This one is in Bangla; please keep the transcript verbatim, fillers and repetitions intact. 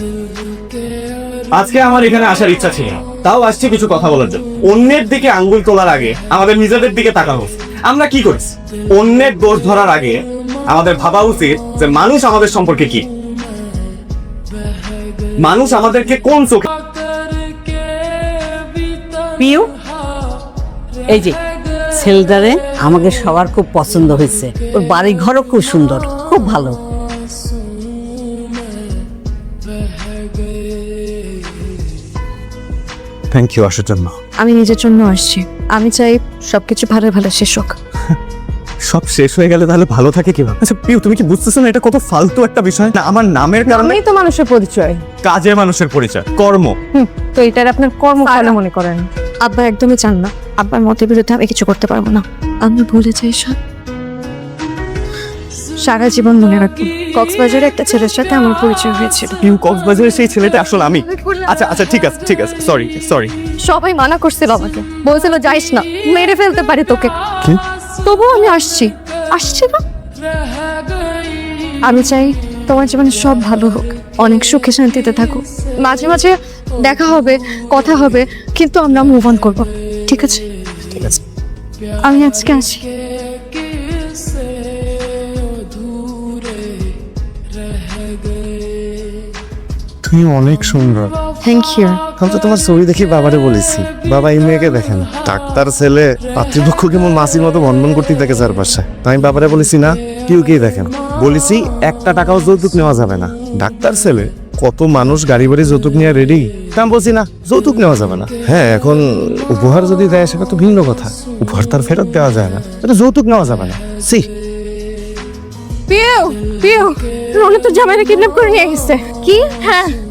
আজকে আমার এখানে আসার ইচ্ছা ছিল না, তাও আসছে কিছু কথা বলার জন্য। অন্যের দিকে আঙ্গুল তোলার আগে আমাদের নিজেদের দিকে তাকানো উচিত। আমরা কি করছি? অন্যের দোষ ধরার আগে আমাদের ভাবা উচিত যে মানুষ আমাদের সম্পর্কে কি, মানুষ আমাদেরকে কোন চোখে। পিউ, এই যে ছেলেটারে আমাকে সবার খুব পছন্দ হয়েছে। ওর বাড়ি ঘরও খুব সুন্দর, খুব ভালো। থ্যাংক ইউ আসার জন্য। আমি নিজের জন্য আসছি। আমি চাই সবকিছু ভালো ভালো শেষ হোক। সব শেষ হয়ে গেলে তাহলে ভালো থাকে কিভাবে? আচ্ছা পিউ, তুমি কি বুঝতেছো না এটা কত ফালতু একটা বিষয়? না আমার নামের কারণে আমি তো মানুষের পরিচয়। কাজে মানুষের পরিচয়, কর্ম। হুম, তো এটার আপনার কর্ম ভালো মনে করেন? আব্বা একদমই চান না। আব্বার মতের বিরুদ্ধে আমি কিছু করতে পারবো না। আমি ভুলে যাই সব, সারা জীবন মনে রাখবো কক্সবাজারে একটা ছেলের সাথে আমার পরিচয় হয়েছিল। পিউ, কক্সবাজারের সেই ছেলেটা আসলে আমি। আচ্ছা আচ্ছা ঠিক আছে ঠিক আছে, সরি সরি। সবাই মানা করছিল আমাকে, বলছিল যাইস না, মেরে ফেলতে পারি তোকে। কি? তবুও আমি আসছি, আসছি না। আমি চাই তোমার জীবনে সব ভালো হোক, অনেক সুখে শান্তিতে থাকো। মাঝে মাঝে দেখা হবে, কথা হবে, কিন্তু আমরা মুভ অন করবো, ঠিক আছে? ঠিক আছে। আমি আজকে আসি। তুমি অনেক সুন্দর। Thank you. আমি তো তোমার ছবি দেখি বাবারে বলেছি, বাবা এই মেয়েকে দেখেন। ডাক্তার ছেলে, পাতৃপক্ষ কেমন মাসির মতো ভনভন করতে থাকে চারপাশে। আমি বাবারে বলেছি না, কেউকেই দেখেন। বলেছি একটা টাকাও যৌতুক নেওয়া যাবে না। ডাক্তার ছেলে, কত মানুষ গাড়ি বাড়ি যৌতুক নিয়ে রেডি। আমি বলছি না, যৌতুক নেওয়া যাবে না। হ্যাঁ, এখন উপহার যদি দেয় সেটা তো ভিন্ন কথা। উপহার তার ফেরত দেওয়া যায় না, এটা যৌতুক নেওয়া যাবে না। সি পিউ, পিউ, রনি তো জামাইরে কিডন্যাপ করে নিয়ে গেছে। কি? হ্যাঁ।